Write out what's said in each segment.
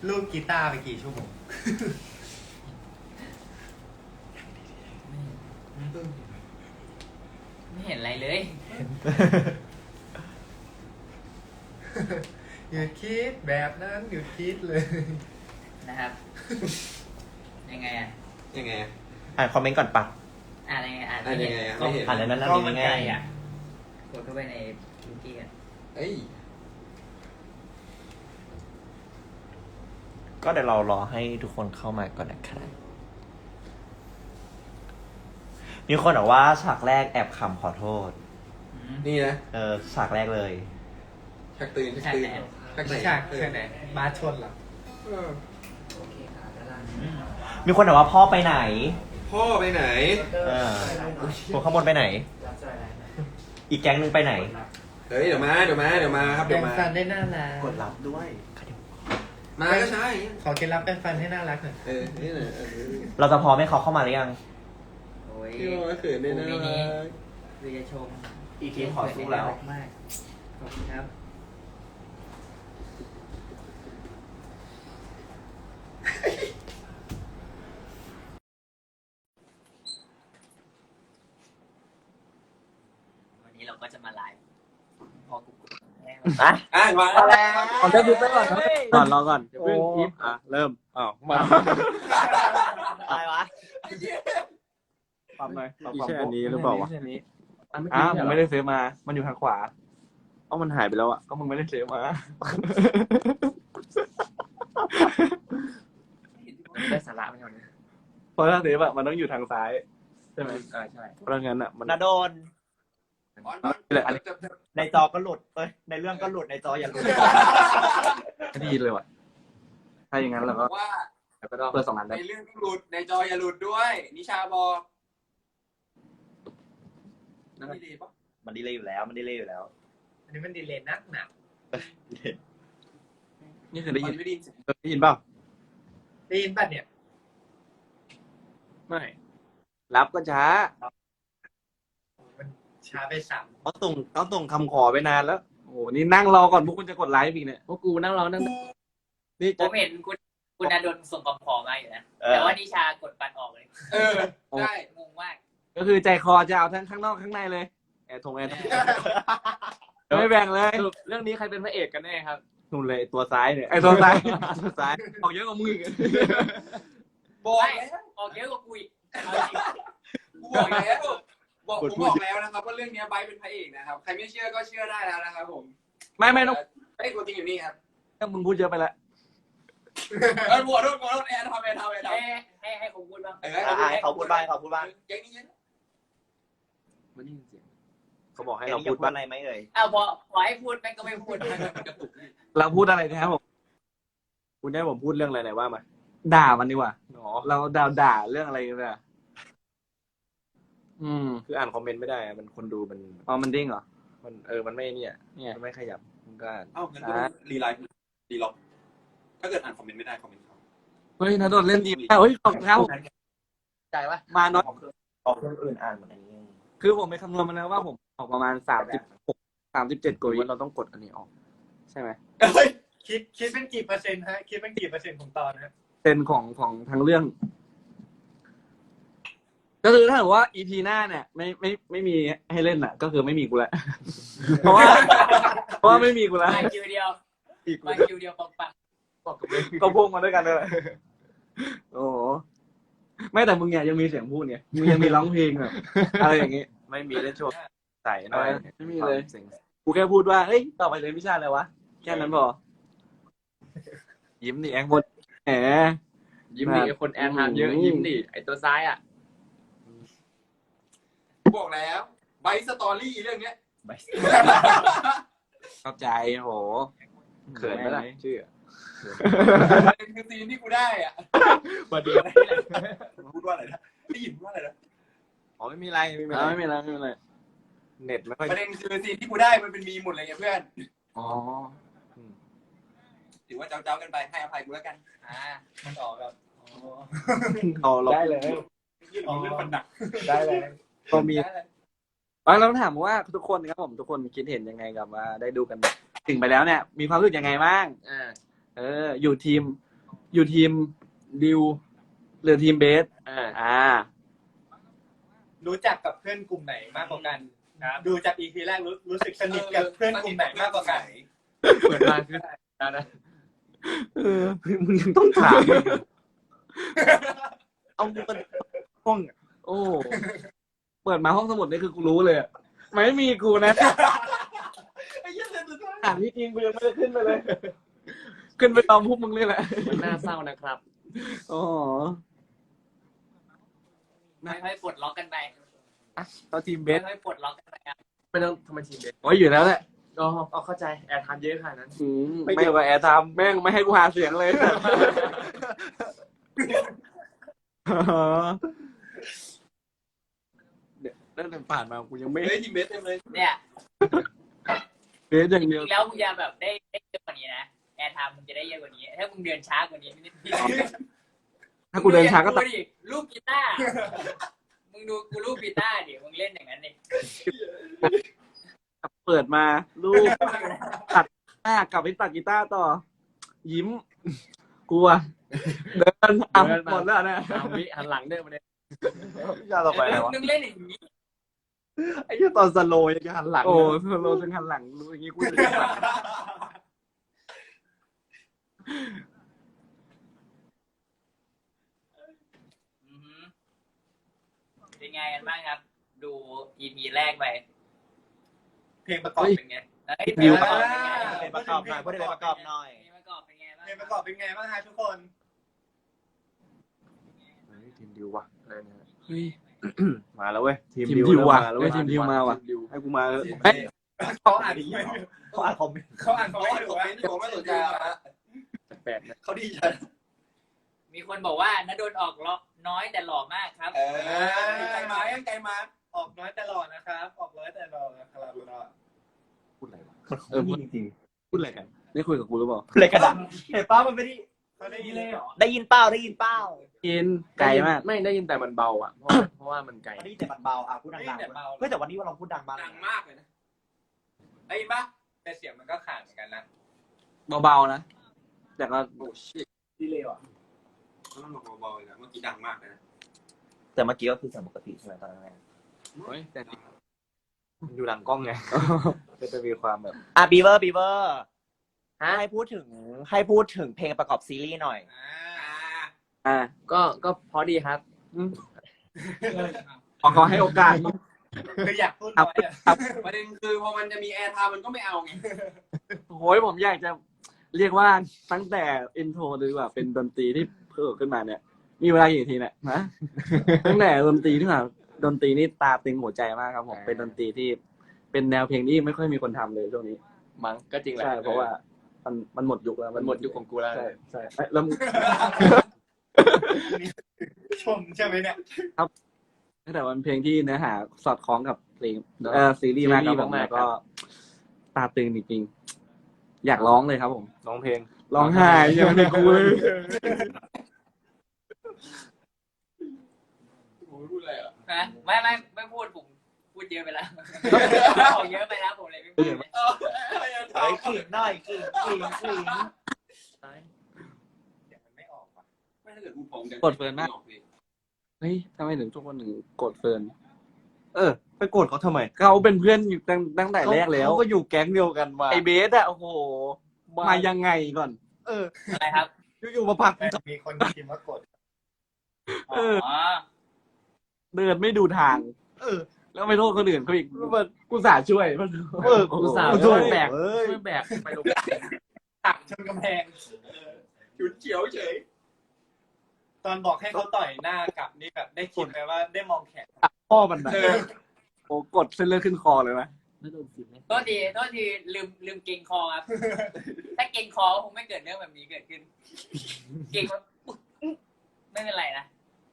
ลูกกีตาร์ไปกี่ชั่วโมงไม่เห็นอะไรเลยหยุดคิดแบบนั้นหยุดคิดเลยนะครับ ยังไงอ่ะยังไงอ่านคอมเมนต์ก่อนปะอ่านยังไงอ่านอ่านยังไงอะไม่เห็นอ่านแล้วนั่นก็นี่มันง่าไกลยอ่ะกดเข้าไปในวิกิกันเอ้ยก็เดี๋ยวเรารอให้ทุกคนเข้ามาก่อนนะครับมีคนบอกว่าฉากแรกแอบขำขอโทษนี่นะฉากแรกเลยชักตื่นชักตื่นชักไหนฉากเช่นไหนมาชนเหรอเออโอเคค่ะด้านล่างมีคนบอกว่าพ่อไปไหนพ่อไปไหนคนข้างบนไปไหนรับสายอะไรอีกแก๊งนึงไปไหนเฮ้ยเดี๋ยวมาครับแปรเดี๋ยวงมาฟันได้น่ารักกดรับด้วยมาก็ใช่ขอเคล็ดลับแปรงฟันให้น่ารักหน่อยนี่แหละเราจะพร้อมให้เขาเข้ามาหรือยังโอ้ยพี่ว่าเขินเนี่ยนะวิจะชมอีกทีขอสู้แล้วมากขอบคุณครับวันนี้เราก็จะมาไลฟ์พอกูแห้งอ่ะมาแล้วก่อนจะดูไปก่อนก่อนรอก่อนอย่าเพิ่งอิฟเริ่มมาอะไรวะปรับหน่อยปรับอีแค่อันนี้หรือเปล่าวะแค่นี้ผมไม่ได้ซื้อมา มันอยู่ทางขวามันหายไปแล้วอ่ะก็มึงไม่ได้ซื้อมาได้สาระไปก่อนนะเพราะถ้าซื้อแบบมันต้องอยู่ทางซ้ายใช่ไหมใช่เพราะงั้นอ่ะมันนาโดนนี่แหละในจอก็หลุดในเรื่องก็หลุดในจออย่าหลุดดีเลยว่ะถ้าอย่างนั้นเราก็ว่าเปิด2 อันได้ในเรื่องต้องหลุดในจออย่าหลุดด้วย นิชาบอกนี่ดีปะมันดีเลยอยู่แล้ว มันดีเลยอยู่แล้วอันนี้มันดีเลยนักหนักนี่คือได้มัยินนไม่ได้ยินเสียงได้ยินเปล่าได้ยินป่ะเนี่ยไม่รับก็ช้ามันช้าไปสามเขาส่งคำขอไปนานแล้วโอ้โหนี่นั่งรอก่อนพวกคุณจะกดไลฟ์อีกเนี่ยพวกกูนั่งรอนั่งนี่ผจะมเห็นคุณอาดลส่งคำขอมาอยู่นะเออแต่ว่านิชากดปันออกเลยได้งงมากก็คือใจคอจะเอาทั้งข้างนอกข้างในเลยแอร์ทงไม่แบ่งเลยเรื่องนี้ใครเป็นพระเอกกันแน่ครับนู่นเลยตัวซ้ายเนี่ยไอ้ตัวซ้ายตัวซ้ายออกเยอะกว่ามึงอีกบอกไม่แล้วออกเยอะกว่ากูอีกเอาจริงบอกแล้วผมบอกแล้วนะครับว่าเรื่องนี้ไบร์ทเป็นพระเอกนะครับใครไม่เชื่อก็เชื่อได้แล้วนะครับผมไม่ต้องไอ้ตัวจริงอยู่นี่ครับถ้ามึงพูดเยอะไปละบัวโดนแอนทำให้ผมพูดบ้างเขาพูดบ้างเขาพูดบ้างเก่งนี่มันนี่เสียงเขาบอกให้ให้เราเราพูพูดดว่าว่าอะไรไหมเอ่ยเอาพอให้พูดแม่งก็ไม่พูดเราพูดอะไรนะครับผมคุณได้ผมพูดเรื่องอะไรไหนว่ามาด่ามันดีกว่าเราด่าเรื่องอะไรกันเนี่ยคืออ่านคอมเมนต์ไม่ได้อะมันคนดูมันมันดิ้งเหรอมันมันไม่เนี่ยมันไม่ขยับมันก็อ่านเอ้างั้นก็รีไลฟ์รีล็อกถ้าเกิดอ่านคอมเมนต์ไม่ได้คอมเมนต์เขาเฮ้ยนาโดนเล่นดีเฮ้ยขอบคุณครับใจวะมาน้อยออกเครื่องอื่นอ่านเหมือนอันนี้คือผมไปคำนวณมาแล้วว่าผมออกประมาณ37กว่าวิเราต้องกดอันนี้ออก ใช่ไหมคิดเป็นกี่เปอร์เซ็นต์ฮะคิดเป็นกี่เปอร์เซ็นต์ของตอนฮะเป็นของทางเรื่อง ก็คือถ้าเกิดว่า EP หน้าเนี่ยไม่มีให้เล่นอ่ะ ก็คือไม่มีกูแล้ว เพราะว่าไม่มีกูแล้วมาคิวเดียวอีกมาคิวเดียวปังก็พุ่งมาด้วยกันเลยโอ้โหไม่แต่มึงเนี่ยยังมีเสียงพูดไงมึงยังมีร้องเพลงแบบอะไรอย่างงี้ไม่มีเล่นโชว์ใส่หน่อยไม่มีเลยกูแค่พูดว่าเฮ้ยต่อไปเรียนวิชาอะไรวะแค่นั้นพอยิ้มดิแองบนแหมยิ้มดิคนแอนทามเยอะยิ้มดิไอตัวซ้ายอ่ะบอกแล้วไบร์ทสตอรี่เรื่องเนี้ยเข้าใจโหเขินไหมล่ะชื่อเป็นคือซีนที่กูได้อ่ะมาดีพูดว่าอะไรนะได้ยินว่าอะไรนะอ๋อไม่มีอะไรไม่มีอะไรเน็ตไม่ค่อยประเด็นคือซีนที่กูได้มันเป็นมีหมดเลยไงเพื่อนอ๋อถือว่าเจ้ากันไปให้อภัยกูแล้วกันมันออกแบบเอาเราได้เลยยื่นเรื่องมันหนักได้เลยก็มีเราถามว่าทุกคนครับผมทุกคนคิดเห็นยังไงกับว่าได้ดูกันถึงไปแล้วเนี่ย มีความรู้สึกยังไงบ้างอยู่ทีมอยู่ทีมดิวหรือทีมเบส อ่ารู้จักกับเพื่อนกลุ่มไหนมากกว่ากันดูจาก EP แรกรู้สึกสนิทกับเพื่อนกลุ่มไหนมากกว่ากันเปิดมาคือนะมึงยังต้องถามอีกเหรอเอากูเป็นห้องอะโอ้เปิดมาห้องสมุดนี่คือกูรู้เลยอะไม่มีกูนะอ่านที่จริงกูยังไม่ได้ขึ้นไปเลย ขึ้นไปตอมพวกมึงเลยแหละมันน่าเศร้านะครับอ๋อค่อยๆปลดล็อกกันไปตอนทีมเบสค่อยๆปลดล็อกกันไปครับไม่ต้องทำไมทีมเด็กโอ้ยอยู่แล้วแหละก็เอาเข้าใจแอร์ทามเยอะขนาดนั้นไม่เกี่ยวกับแอร์ไทม์แม่งไม่ให้กูหาเสียงเลยเนี่ยตั้งแต่ผ่านมากูยังไม่เฮ้ยทีมเบสเต็มเลยเนี่ยเบสอย่างจเดียวริงๆแล้วมึงจะแบบได้เยอะกว่านี้นะแอร์ไทม์มึงจะได้เยอะกว่านี้ ถ้ามึงเดินช้ากว่านี้นิดถ้ากูเดินช้าก็ตัดดูดิลูกกีตาร์มึงดูกูลูกกีตาร์ดิมึงเล่นอย่างนั้นดิเปิดมาลูกตัดหน้ากลับไปตัดกีตาร์ต่อ ยิ้ม กลัว เดินอ่ะหมดแล้วนะวิหันหลังเด้อมาเนี่ยยาต่อไปอะไรวะมึงเล่นอย่างนี้ไอ้เหี้ยตอนสโลว์ยังจะหันหลังโอ้โลจึงหันหลังรู้อย่างงี้กูจะหันหลังอือหือเป็นไงกันบ้างครับ ดู EP แรกไปเพลงประกอบเป็นไงเพลงประกอบเป็นไงเพลงประกอบหน่อยพูดถึงเพลงประกอบหน่อยเพลงประกอบเป็นไงบ้างเพลงประกอบเป็นไงบ้างฮะทุกคนทีมดิววะอะไรเนี่ยเฮ้ยมาแล้วเว้ยทีมดิวว่ะมาแล้วเฮ้เว้ยยทีมดิวมาว่ะให้กูมาแล้วเฮ้ยเขาอ่านเขาอ่านคอมเมนต์เขาอ่านเขาเขาไม่ไม่ถูถูกกไหมไหมที่ผมไม่สนใจแล้วแปลกนะเขาดีใจมีคนบอกว่าณดลออกล้อน้อยแต่หล่อมากครับใจมายังใจมาออกน้อยแต่หล่อนะครับออกน้อยแต่หล่อนะครับพูดอะไรวะพูดจริงๆพูดอะไรกันได้คุยกับกูหรือเปล่าเลยกระดาษเห็นป้ามันไม่ได้เขาได้ยินเลยเหรอได้ยินเป้าได้ยินเป้ากินไกลมากไม่ได้ยินแต่มันเบาอ่ะ เพราะว่ามันไกลได้ยินแต่มันเบาอ่ะพูดดังๆเฮ้ยแต่วันนี้ว่าเราพูดดังมากดังมากเลยนะไอ้ปะแต่เสียงมันก็ขาดเหมือนกันนะเบาๆนะ แต่ก็โอ้ชิตดีเลยเหรอต้องบอกเบาๆเลยนะเมื่อกี้ดังมากเลยนะแต่เมื่อกี้ก็คือเสียงปกติใช่ไหมตอนนั้นเฮ้ยแต่มันอยู่หลังกล้องไงก็จะมีความแบบอ่ะบีเวอร์ให้พูดถึงเพลงประกอบซีรีส์หน่อยอ่าก็พอดีครับขอเขาให้โอกาสคืออยากพูดน้อยอ่ะประเด็นคือพอมันจะมีแอร์ไทม์มันก็ไม่เอาไงโอ้ยผมอยากจะเรียกว่าตั้งแต่อินโทรหรือว่าเป็นดนตรีที่เพิ่มขึ้นมาเนี่ย มีเวลากี่ทีเนี่ยนะ ตั้งแต่ดนตรีที่มาดนตรีนี่ตาตึงหัวใจมากครับผมเป็นดนตรีที่เป็นแนวเพลงที่ไม่ค่อยมีคนทำเลยช่วงนี้มั้งก็จริงแหละใช่เพราะว่ามันหมดยุคแล้วมันหมดยุคของกูแล้วใช่ใช่แล้วชมใช่ไหมเนี่ยแต่มันเพลงที่เนื้อหาสอดคล้องกับเพลงซีรีส์มากครับผมแล้วก็ตาตึงจริงๆอยากร้องเลยครับผมร้องเพลงร้องไห้ยังไม่ได้กูเลยพูดอะไรอ่ะนะไม่พูดผมพูดเยอะไปแล้วบอกเยอะไปแล้วผมเลยไม่พูดเฮ้ยขิงหน่อยขิงเสียงมันไม่ออกว่ะไม่ถ้าเกิดกูผมจะกดเฟิร์นมากเฮ้ยทำไมถึงทุกคนถึงกดเฟิร์นไปโกรธเขาทำไมเขาเป็นเพื่อนอยู่ตั้งแต่แรกแล้วเขาก็อยู่แก๊งเดียวกันมาไอเบสอะโอ้โหมายังไงก่อนอะไรครับอยู่ๆมาผลักแต่มีคนพิมพ์ว่ากดอ๋อเดินไม่ดูทางแล้วไม่โทษคนอื่นเขาอีกกูสาช่วยกูสาวโอ้โหช่วยแบกเอ้ยช่วยแบกไปลงตักชนกำแพงฉุนเฉียวเฉยตอนบอกให้เขาต่อยหน้ากลับนี่แบบได้คิดไหมว่าได้มองแขนพ่อมันนะโอ้กดเส้นเลือดขึ้นคอเลยนะไม่โดนสิบไหมโทษทีลืมเกรงคอครับ ถ้าเกรงคอคงไม่เกิดเรื่องแบบนี้เกิดขึ้น เกรงว่าไม่เป็นไรนะ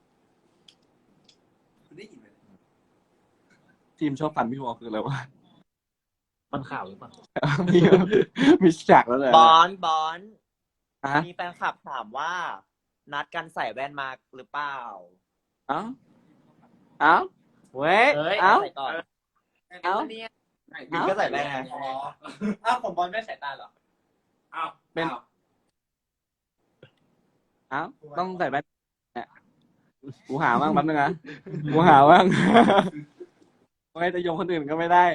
ได้ยินไหมทีมชอบฟันพี่วอลคืออะไรวะมันข่าวหรือเปล่ามีฉากแล้วเลยบอนฮะมีแฟนคลับถามว่า นัดกันใส่แว่นมาหรือเปล่าเอ้าเว้ยเอ้ยเอ้าใส่ก่อนเอ้าบิ๊กก็ใส่แว่นไงอ๋ออ้าวผมบอลไม่สายตาเหรออ้าวเป็นอ้าวต้องใส่แว่นเนี่ยกูหาบ้างแป๊บนึงนะกูหาบ้างไม่จะโยงคนอื่นก็ไม่ได้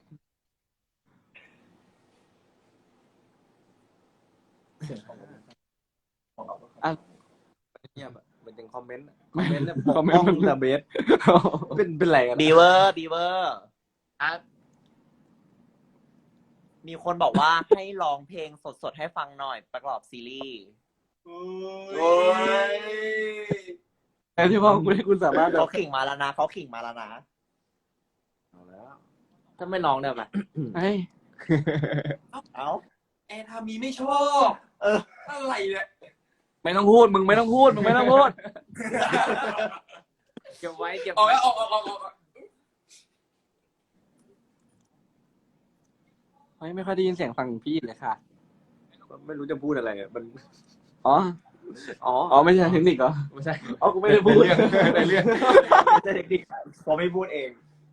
เงียบอะเหมือนยังคอมเมนต์เนี่ยปกคอมเมนป้ต์องมันแต่เบสเป็นไรกันบีเวอร์บีเวอร์อ่ะมีคนบอกว่าให้ร้องเพลงสดๆให้ฟังหน่อยประกอบซีรีส์โอ้ยแต่ที่ว่าคุณสามารถแบเขาบขิงมาแล้วนะเขาขิงมาแล้วนะเอาแล้วถ้าไม่น้องได้ไหมเฮ้ยเอ้าแอร์ทามีไม่ชอบอะไรเนี่ยไม่ต้องพูดมึงไม่ต้องพูดมึงไม่ต้องพูดเก็บไว้เก็บออกไว้แล้วออกไม่ค่อยได้ยินเสียงฟังพี่เลยค่ะไม่รู้จะพูดอะไรอะมันอ๋ออ๋ออ๋อไม่ใช่เทคนิคเหรอไม่ใช่อ๋อกูไม่ได้พูดในเรื่องไม่ใช่เทคนิคเขาไม่พูดเอง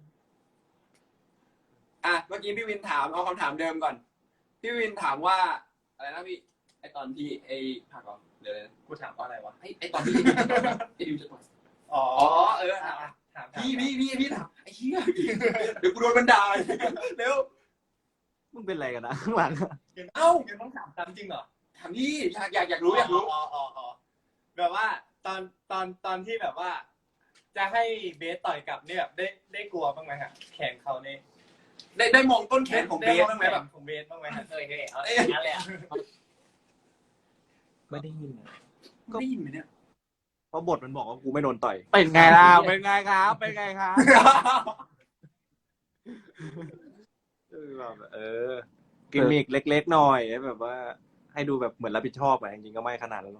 อ่ะเมื่อกี้พี่วินถามเอาคำถามเดิมก่อน พี่วินถามว่าอะไรนะพี่ไอตอนที่ไอผักเหรอเดี๋ยวนะกูถามว่าอะไรวะไอตอนที่ไอดิวจะต่อยอ๋ออ๋อเออถามพี่ถามไอ้เหี้ยเดี๋ยวกูโดนมันด่าเร็วมึงเป็นไรกันนะข้างหลังเอ้ายังต้องถามตามจริงเหรอถามพี่อยากรู้อยากรู้อ๋อแบบว่าตอนที่แบบว่า จะให้เบสต่อยกลับเนี่ยแบบได้กลัวบ้างไหมฮะแขนเขาเนี่ยได้มองต้นแขนของเบสบ้างไหมแบบของเบสบ้างไหมฮะเฮ้ยเอาอย่างนั้นเลยอ่ะไม่ได้ยินอะได้ยินไหมเนี่ยเพราะบทมันบอกว่ากูไม่โดนต่อยเป็นไงล่ะเป็นไงครับเป็นไงครับแบบกิมมิกเล็กๆหน่อยแบบว่า ให้ดูแบบเหมือนรับผิดชอบอะจริงๆก็ไม่ขนาดนั้นหรอก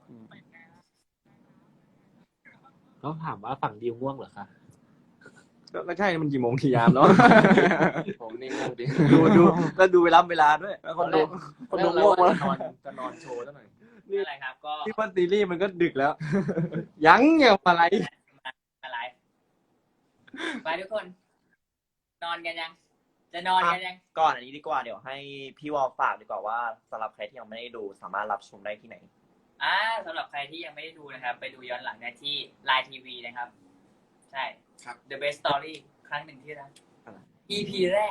ต้องถามว่าฝั่งดิวง่วงเหรอคะก็ใช่มันกี่โมงกี่ยามแล้วผมนี่ง่วงดิดูแล้วดูเวลาด้วยแล้วคนดูคนดูง่วงแล้วจะนอนโชว์ซะหน่อยอะไรครับ ก็ที่ว่าซีรีส์มันก็ดึกแล้ว ยังอย่าอะไรอะไรไปทุกคน นอนกันยัง จะนอนกันยังก่อนอันนี้ดีกว่าเดี๋ยวให้พี่วอลฝากดีกว่าว่าสำหรับใครที่ยังไม่ได้ดูสามารถรับชมได้ที่ไหนสำหรับใครที่ยังไม่ได้ดูนะครับ ไปดูย้อนหลังได้ที่ Line TV นะครับ ใช่ครับ The Best Story ครั้งหนึ่งที่รัก EP แรก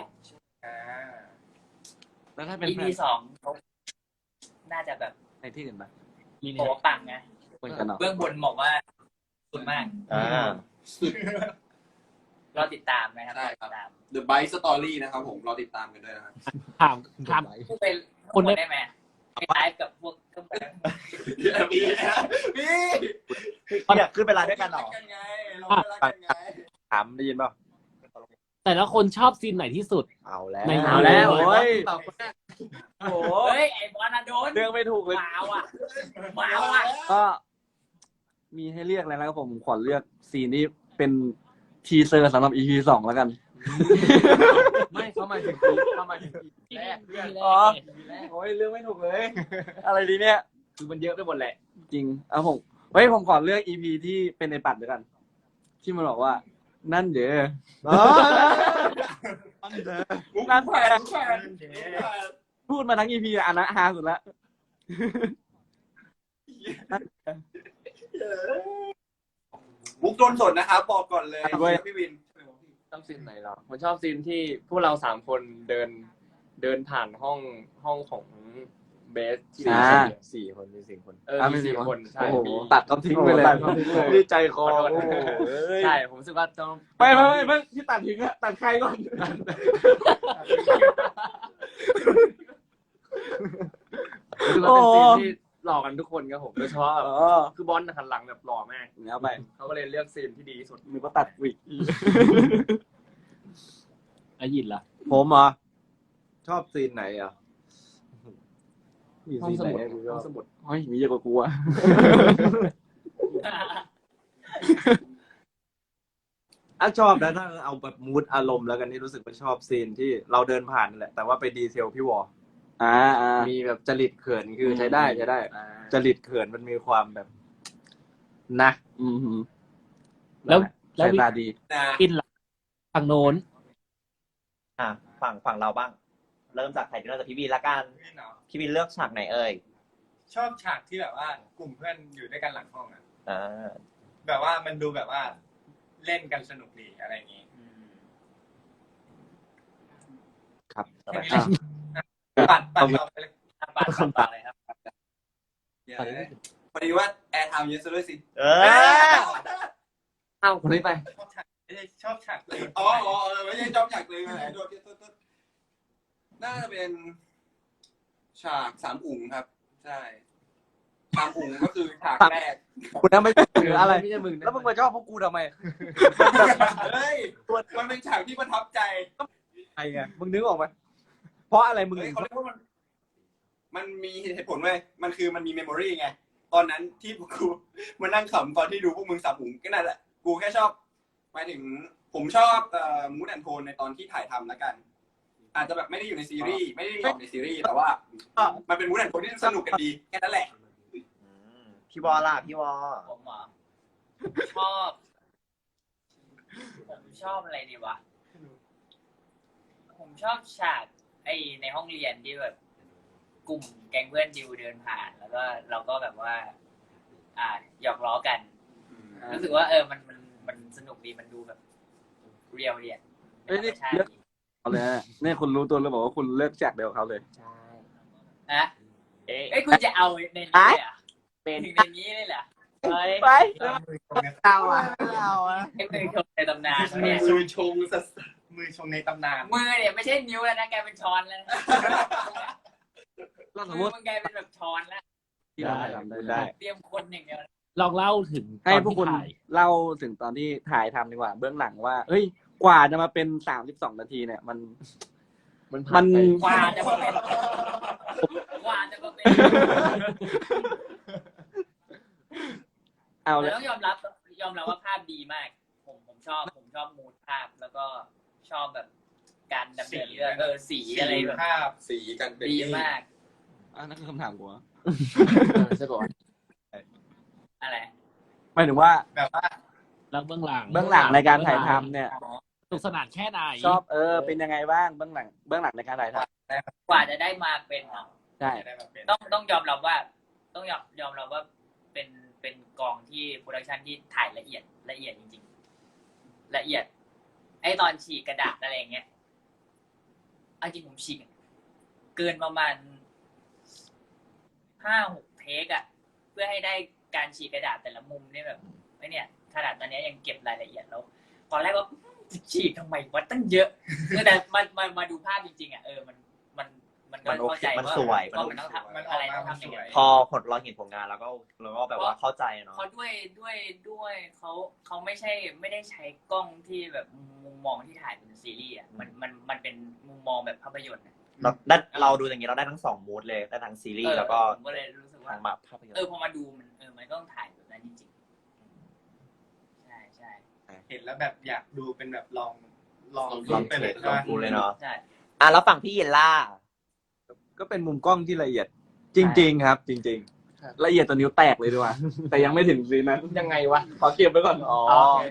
แล้วถ้าเป็น EP สองน่าจะแบบในที่อื่นปะโอ้ปังนะเหมือนกันเนาะเบื้องบนบอกว่าสุดมาก รอติดตามนะครับใช่รอครัติบดตาม The Bite Story นะครับผมรอติดตามกันด้วยนะครับถามพูดเป็นคนได้ไหมไปไลฟ์กับพวกเครื่องแบบพี่อยากขึ้นไปไลฟ์ด้วยกันเหรอกันไงเราไม่รักกันไงถามได้ยินเปล่าแต่ละคนชอบซีนไหนที่สุดเอาแล้วไม่เอาแล้วโอ้ยโอ้โหเฮ้ย ไอ้บอลน่ะโดนเรื่องไม่ถูกเลยหมาว่ะหมาว่ะก็มีให้เลือกแล้วนะครับผมขอเลือกซีนที่เป็นทีเซอร์สำหรับ EP 2แล้วกันไม่เข้ามาถึงแรกเรื่องอ๋อ โอ้ยเรื่องไม่ถูกเลย อะไรดีเนี่ยคือมันเยอะไปหมดแหละจริงเอาผมขอเลือก EP ที่เป็นในปัดด้วยกัน ที่มันบอกว่า นั่นเด้อ นั่นแหละ พูดมาทั้ง EP อันนั้นฮาสุดละมุกโดนสดนะครับบอกก่อนเลยพี่วินชอบซีนไหนเหรอผมชอบซีนที่พวกเรา3 คนเดินผ่านห้องของเบสที่สี่คนมีสี่คนมี4 คนใช่โอ้โหมีตัดเขาทิ้งไปเลยตัดเขาทิ้งเลยนี่ใจคอขอโทษโอ้โหเอ้ยใช่ผมรู้สึกว่าต้องไม่ที่ตัดทิ้งอะตัดใครก่อนรู้สึกว่าเป็นซีนที่หล่อกันทุกคนครับผมโดยเฉพาะอ๋อคือบอลหันหลังแบบหล่อมากแล้วไปเขาก็เลยเลือกซีนที่ดีที่สุดมีก็ตัดวิกอายินล่ะผมเหรอชอบซีนไหนอ่ะมีห้องซีนสไหนมุดกูชห้ออบ งสมุดเฮ้ยมีเยอะกว่ากูอะชอบนะถ้าเอาแบบมูดอารมณ์แล้วกันที่รู้สึกว่าชอบซีนที่เราเดินผ่านนั่นแหละแต่ว่าไปดีเทลพี่วอ มีแบบจริตเขินคือใช้ได้จริตเขินมันมีความแบบนะอืมแล้วสายตาดีนะอินล่ะฝั่งโน้นฝั่งเราบ้าง เริ่มจากใครที่เริ่มจากพี่บีละกัน พี่บีเลือกฉากไหนเอ่ยชอบฉากที่แบบว่ากลุ่มเพื่อนอยู่ด้วยกันหลังห้องอะอ่าแบบว่ามันดูแบบว่าเล่นกันสนุกดีอะไรอย่างงี้ครับแค่นี้แหละปัดต่อไปเลยปาดต่อเลยครับเดี๋ยวนะพอดีว่าแอร์ไทม์เยอะซะด้วยสิเออเอ้าคนนี้ไปชอบฉากไม่ใช่ชอบฉากเลยอ๋อไม่ใช่จอมฉากเลยนะโดนน่าจะเป็นฉากสามอุ๋งครับ ใช่สามอุ๋งก็คือฉากแรกคุณนั้นไม่ใช่หรืออะไรไม่ใช่มึงนะแล้วมึงมาชอบพวกกูทำไมเฮ้ยมันเป็นฉากที่ประทับใจไงไงมึงนึกออกไหมเพราะอะไรมึงเฮ้ยถึงเขาเรียกว่ามันมีเหตุผลเว้ยมันมีเมมโมรีไง ตอนนั้นที่กูมานั่งขำตอนที่ดูพวกมึงสามอุ๋งก็นั่นแหละ กูแค่ชอบหมายถึงผมชอบมูดแอนโทนในตอนที่ถ่ายทำแล้วกัน อาจจะแบบไม่ได้อยู่ในซีรีส์ไม่ได้ออกในซีรีส์แต่ว่ามันเป็นมูดแอนโทนที่สนุกกันดีแค่นั้นแหละพี่วอล่ะพี่วอผมเหรอชอบ ผมชอบอะไรดีวะ ผมชอบฉากไอในห้องเรียนที่แบบกลุ่มแก๊งเพื่อนดิวเดินผ่าน แล้วก็เราก็แบบว่า หยอกล้อกัน รู้สึกว่ามันสนุกดีมันดูแบบเรียวเรียนเอ้ยนี่เลือกเอาเลยนะเนี่ยคุณรู้ตัวแล้วบอกว่าคุณเลือกจากเดียวกับเขาเลยใช่นะเอ้ยคุณจะเอาในนี้เลยอ่ะเป็นถึงในนี้เลยเหรอเฮ้ยไปเอาอ่ะไอ้มือชงในตำนานเนี่ยมือชงสัสมือชงในตำนานมือเนี่ยไม่ใช่นิ้วแล้วนะกลายเป็นช้อนแล้วนะเราสมมืมอติมันกลายเป็นแบบช้อนแล้วที่เราทำได้เตรียมคนอย่างเดียวลองเล่าถึงให้พวกคุณตอนที่ถ่ายเล่าถึงตอนที่ถ่ายทำดีกว่า เบื้องหลังว่าเฮ้ยกว่าจะมาเป็น32 นาทีเนี่ย มันผ่านไปกว่าจะมาเป็นกว่าจะมาเป็นเอาแต่เลยต้องยอมรับว่าภาพดีมาก ผมชอบมูดภาพแล้วก็ชอบแบบการดำเนินเรื่องสีอะไรแบบภาพสีกันเป็นดีมากนั่นคือคำถามกูอะใช่ป่ะอะไรหมายถึงว่าแบบว่าแล้วเบื้องหลังเบื้องหลังในการถ่ายทำเนี่ยสนุกสนานแค่ไหนชอบเป็นยังไงบ้างเบื้องหลังในการถ่ายทกว่าจะได้มาเป็นำใช่ได้แบบเป็นต้องยอมรับว่า ต้องยอมรับว่าเป็นกองที่โปรดักชันที่ถ่ายละเอียดจริงๆละเอียด ไอตอนฉีกกระดาษอะไรอย่างเงี้ยเอาจริงผมฉีกเกินประมาณ5-6 เทคอะเพื่อให้ได้การฉีกกระดาษแต่ละมุมเนี่ยแบบไอเนี่ยขนาดตอนนี้ยังเก็บรายละเอียดแล้ว ตอนแรกว่าฉีกทำไมวะตั้งเยอะแต่มาดูภาพจริงๆอะมันก็เข้าใจมันว่าสวยว่ามันต้องทำอะไรต้องทำยังไงพอเราเห็นผลงานแล้วก็แบบว่าเข้าใจเนาะเพราะด้วยเขาไม่ได้ใช้กล้องที่แบบมุมมองที่ถ่ายเป็นซีรีส์อ่ะมันเป็นมุมมองแบบภาพยนตร์เราดูอย่างนี้เราได้ทั้ง2มูดเลยได้ทั้งซีรีส์แล้วก็ผมก็เลยรู้สึกว่าทางแบบภาพยนตร์พอมาดูมันก็ต้องถ่ายแบบนั้นจริงๆใช่เห็นแล้วแบบอยากดูเป็นแบบลองลองไปเลยลองดูเลยเนาะใช่แล้วฝั่งพี่เยนล่าก็เป็นมุมกล้องที่ละเอียด จริง ๆ ครับ จริงละเอียดตัวนิ้วแตกเลยดีกว่า แต่ยังไม่ถึงซีนนั้นยังไงวะขอเก็บไว้ก่อนอ๋อ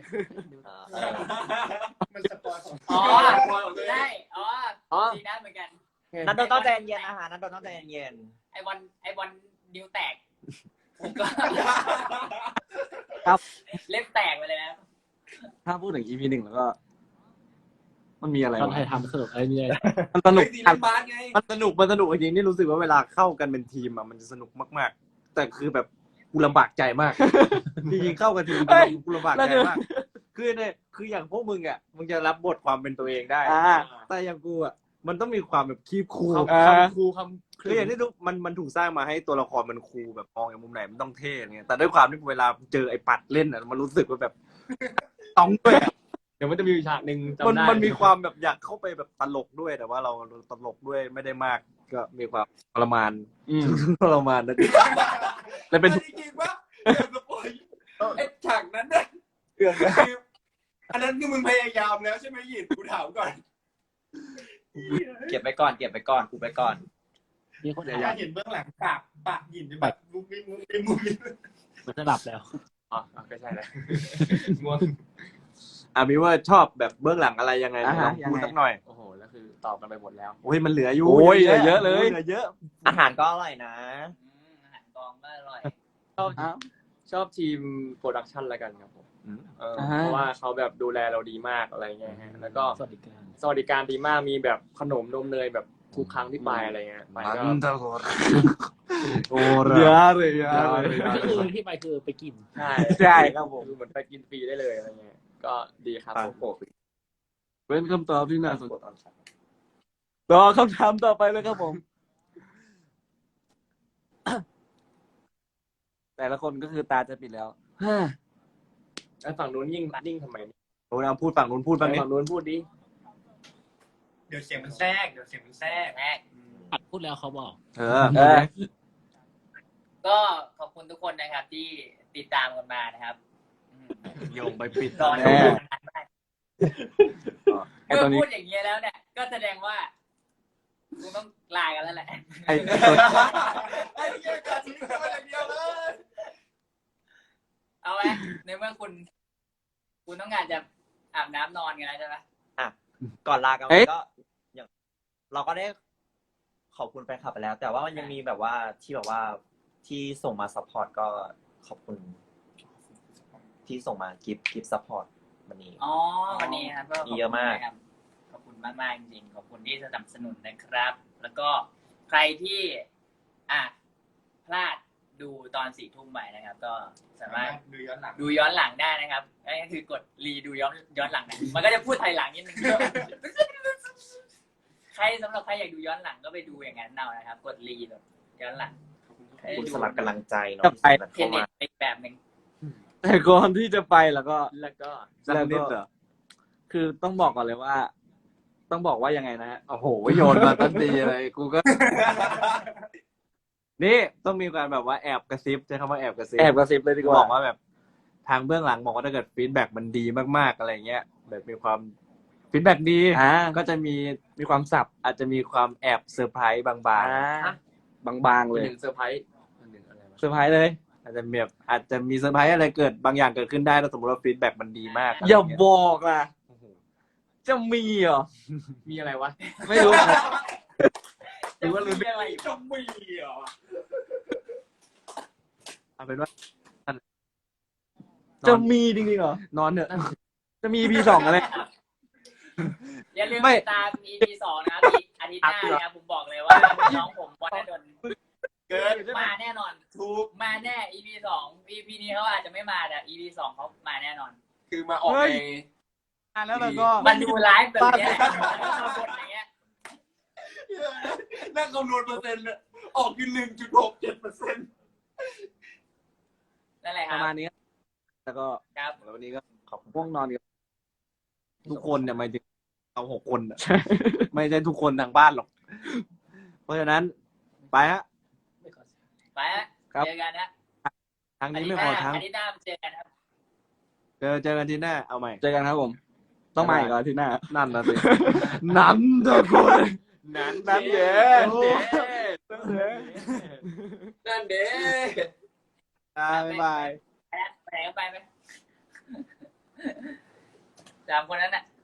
มันสปอยของอ๋อได้ดีนะเหมือนกันนันโดนต้องใจเย็นๆนะคะนันโดนต้องใจเย็นไอวันนิ้วแตกผมก็ครับเล็บแตกไปเลยนะถ้าพูดถึง EP 1 แล้วก็ มันมีอะไรตอนวะถ่ายทำสนุกอะไรเนี่ยมันสนุกซีรีส์บาสไงมันสนุกจริงๆนี่รู้สึกว่าเวลาเข้ากันเป็นทีมอะมันจะสนุกมากๆ แต่คือแบบกูลำบากใจมาก จริงๆเข้ากันทีมกูลำบากใจมาก คืออย่างพวกมึงอ่ะมึงจะรับบทความเป็นตัวเองได้ แต่อย่างกูอ่ะมันต้องมีความแบบคีบคูลคำครูคำคืออย่างที่ทุกมันถูกสร้างมาให้ตัวละครมันคูลแบบมองอย่างมุมไหนมันต้องเท่อะไรเงี้ยแต่ด้วยความที่เวลาเจอไอ้ปัดเล่นอ่ะมันรู้สึกว่าแบบ ต้องด้วยอะเดี๋ยวมันจะมีฉากหนึ่งจำได้มันมีความแบบอยากเข้าไปแบบตลกด้วยแต่ว่าเราตลกด้วยไม่ได้มากก็มีความทรมาน ทรมานนะแต่เป็นจริงๆว่าสปอยไอ้ฉากนั้นเนี่ยเรื่องนะคืออันนั้นคือมึงพยายามแล้วใช่ไหมหยินกูถามก่อนๆเก็บไปก่อนกูไปก่อนมีคนอถามยากเห็นเบื้องหลังปากหยินจะแบบมุ้งมิ้งมุ้งมิ้งมันจะหลับแล้วอ๋อก็ใช่แหละง่วงมีว่าชอบแบบเบื้องหลังอะไรยังไงลองพูดสักหน่อยโอ้โหแล้วคือตอบกันไปหมดแล้วโอ้ยมันเหลืออยู่โอ้ยเหลือเยอะเลยเหลือเยอะอาหารก็อร่อยนะอาหารของก็อร่อยชอบทีมโปรดักชันละกันครับผมอืมเพราะว่าเขาแบบดูแลเราดีมากอะไรเงี้ยฮะแล้วก็สวัสดิการสวัสดิการดีมากมีแบบขนมนมเนยแบบทุกครั้งที่ไปอะไรเงี้ยไปก็โอ้เยอะเลยเยอะเลยก็คือที่ไปคือไปกินใช่ใช่ครับผมคือเหมือนไปกินฟรีได้เลยอะไรเงี้ยก็ดีครับปังผมเป็นคำตอบที่น่าสนใจต่อคำถามต่อไปเลยครับผม แต่ละคนก็คือตาจะปิดแล้วไอ้ฝั่งนู้นยิ่งนิ่งทำไมโอ้ยเอาพูดฝั่งนู้นพูดบ้างนี่ฝั่งนู้นพูดดิเดี๋ยวเสียงมันแทรกเดี๋ยวเสียงมันแทรกแรกอัดพูดแล้วเขาบอกเออก็ขอบคุณทุกคนนะครับที่ติดตามกันมานะครับอืมโยงไปปิดรอแน่ดูนานมากไอ้เมื่ตออนนี้พูดอย่างเงี้ยแล้วเนี่ยก็แสดงว่ากูต้องลากันแล้วแหละไอ้ไอ้เหี้ยการทิ้งกันอย่างเดียวเลยเอาไหมในเมื่อคุณต้องการจะอาบน้ำนอนกันแล้วใช่ไหมก่อนลากันเอ๊ะก็อย่างเราก็ได้ขอบคุณแฟนคลับไปแล้ว แต่ว่ามันยังมีแบบว่าที่ส่งมาซัพพอร์ตก็ขอบคุณ ที่ส่งมากิฟต์ซัพพอร์ตวันนี้อ๋อวันนี้ครับก็ขบมีคุณเยอะมากนะครับขอบคุณมากๆจริงๆขอบคุณที่สนับสนุนนะครับ แล้วก็ใครที่พลาดดูตอน4 ทุ่มใหม่นะครับ ก็สามารถดูย้อนหลังดูย้อนหลังได้นะครับนั่นก็คือกดรีดูย้อนหลังนะมันก็จะพูดไทยหลังนิดนึง สำหรับใครอยากดูย้อนหลังก็ไปดูอย่างนั้นเอานะครับ กดรีแบบย้อนหลังคุณสลับกำลังใจเนาะจะไปที่ส่งเทกันเน็ตอีกแบบหนึ่งแต่ก่อนที่จะไปแล้วก็สักนิดเหรอคือต้องบอกก่อนเลยว่า ต้องบอกว่ายังไงนะฮะโอ้โหโยนมาตั้งดีเลยกูก็ นี่ต้องมีการแบบว่าแอบกระซิบใช้คำว่าแอบกระซิบแอบกระซิบเลยดีกว่าบอกว่าแบบทางเบื้องหลังบอกว่าถ้าเกิดฟีดแบ็กมันดีมากๆอะไรเงี้ยแบบมีความฟีดแบ็กดี ก็จะมีความสับอาจจะมีความแอบเซอร์ไพรส์บางบางๆเป็เลนยหนึ่งเซอร์ไพรส์อันหนึ่งอะไรวะเซอร์ไพรส์เลยๆอาจจะมีเซอร์ไพรส์อะไรเกิดบางอย่างเกิดขึ้นได้ถ้าสมมติว่าฟีดแบ็กมันดีมากอย่าบอกล่ะ จะมีเหรอมีอะไรวะไม่รู้หรือว่ารู้อะไรอีกจะมีเหรอเอาเป็นว่าจะมีจริงๆเหรอนอนเถอะจะมี EP 2อะไรอย่าลืมไม่ติดตาม EP 2นะครับอาทิตย์หน้านะครับผมบอกเลยว่าน้องผมวันดลเกินมาแน่นอนทุกมาแน่ EP 2 EP นี้เขาอาจจะไม่มาแต่ EP 2เขามาแน่นอนคือมาออกเฮ้ยในแล้วเราก็มันดูไลฟ์แบบเนี้ยมาบทอย่างเงี้ยนั่งคำนวณเปอร์เซ็นต์เลยออกอยู่1.67% นั่นแหละคปรับระมาณนี้ แล้วก็ครับแล้ววันนี้ก็ง่วงนอนกันทุกคนเนี่ยหมายถึงเรา6 คนอะไม่ใช่ทุกคนทางบ้านหรอก เพราะฉะนั้นไปฮะไปฮะครับเจอกันนะทางนี้ไม่พอทางอาทิตย์หน้าเจอกันครับเจอกันทีหน้าเอาใหม่เจอกันครับผม ต้องมาอีกเหรออาที่หน้านั่นนะสิ นั่นทุกคนนั่นเย้นั่นเด้บ๊ายบายไปไหนก็ไปไหม 3 คนนั้นน่ะ